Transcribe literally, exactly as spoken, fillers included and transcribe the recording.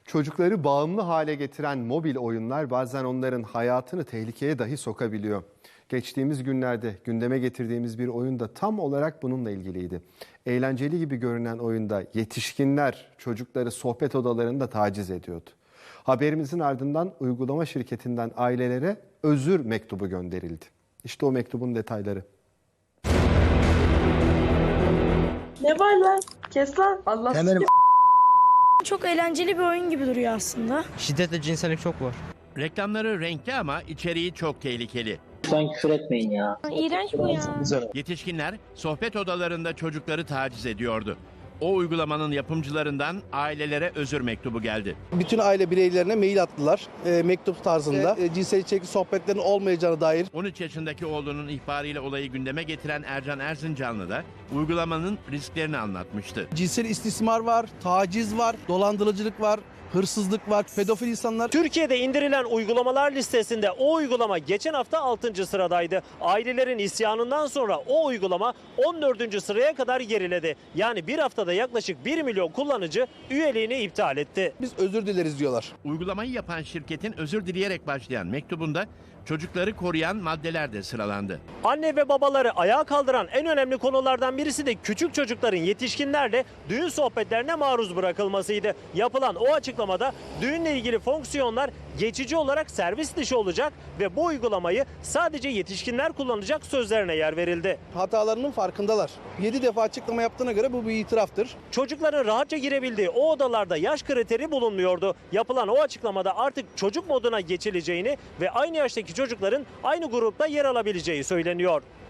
Çocukları bağımlı hale getiren mobil oyunlar bazen onların hayatını tehlikeye dahi sokabiliyor. Geçtiğimiz günlerde gündeme getirdiğimiz bir oyun da tam olarak bununla ilgiliydi. Eğlenceli gibi görünen oyunda yetişkinler çocukları sohbet odalarında taciz ediyordu. Haberimizin ardından uygulama şirketinden ailelere özür mektubu gönderildi. İşte o mektubun detayları. Ne var lan? Kes lan. Allah Hemen Çok eğlenceli bir oyun gibi duruyor aslında. şiddet ve cinsellik çok var. Reklamları renkli ama içeriği çok tehlikeli. Lütfen küfür etmeyin ya. İğrenç bu ya. Yetişkinler sohbet odalarında çocukları taciz ediyordu. O uygulamanın yapımcılarından ailelere özür mektubu geldi. Bütün aile bireylerine mail attılar e, mektup tarzında. E, cinsel içerikli sohbetlerin olmayacağına dair. on üç yaşındaki oğlunun ihbarıyla olayı gündeme getiren Ercan Erzincanlı da uygulamanın risklerini anlatmıştı. Cinsel istismar var, taciz var, dolandırıcılık var, hırsızlık var, pedofil insanlar. Türkiye'de indirilen uygulamalar listesinde o uygulama geçen hafta altıncı sıradaydı. Ailelerin isyanından sonra o uygulama on dördüncü sıraya kadar geriledi. Yani bir haftada yaklaşık bir milyon kullanıcı üyeliğini iptal etti. Biz özür dileriz diyorlar. Uygulamayı yapan şirketin özür dileyerek başlayan mektubunda çocukları koruyan maddeler de sıralandı. Anne ve babaları ayağa kaldıran en önemli konulardan birisi de küçük çocukların yetişkinlerle düğün sohbetlerine maruz bırakılmasıydı. Yapılan o açıklamada düğünle ilgili fonksiyonlar geçici olarak servis dışı olacak ve bu uygulamayı sadece yetişkinler kullanacak sözlerine yer verildi. Hatalarının farkındalar. yedi defa açıklama yaptığına göre bu bir itiraftır. Çocukların rahatça girebildiği o odalarda yaş kriteri bulunmuyordu. Yapılan o açıklamada artık çocuk moduna geçileceğini ve aynı yaştaki çocukların aynı grupta yer alabileceği söyleniyor.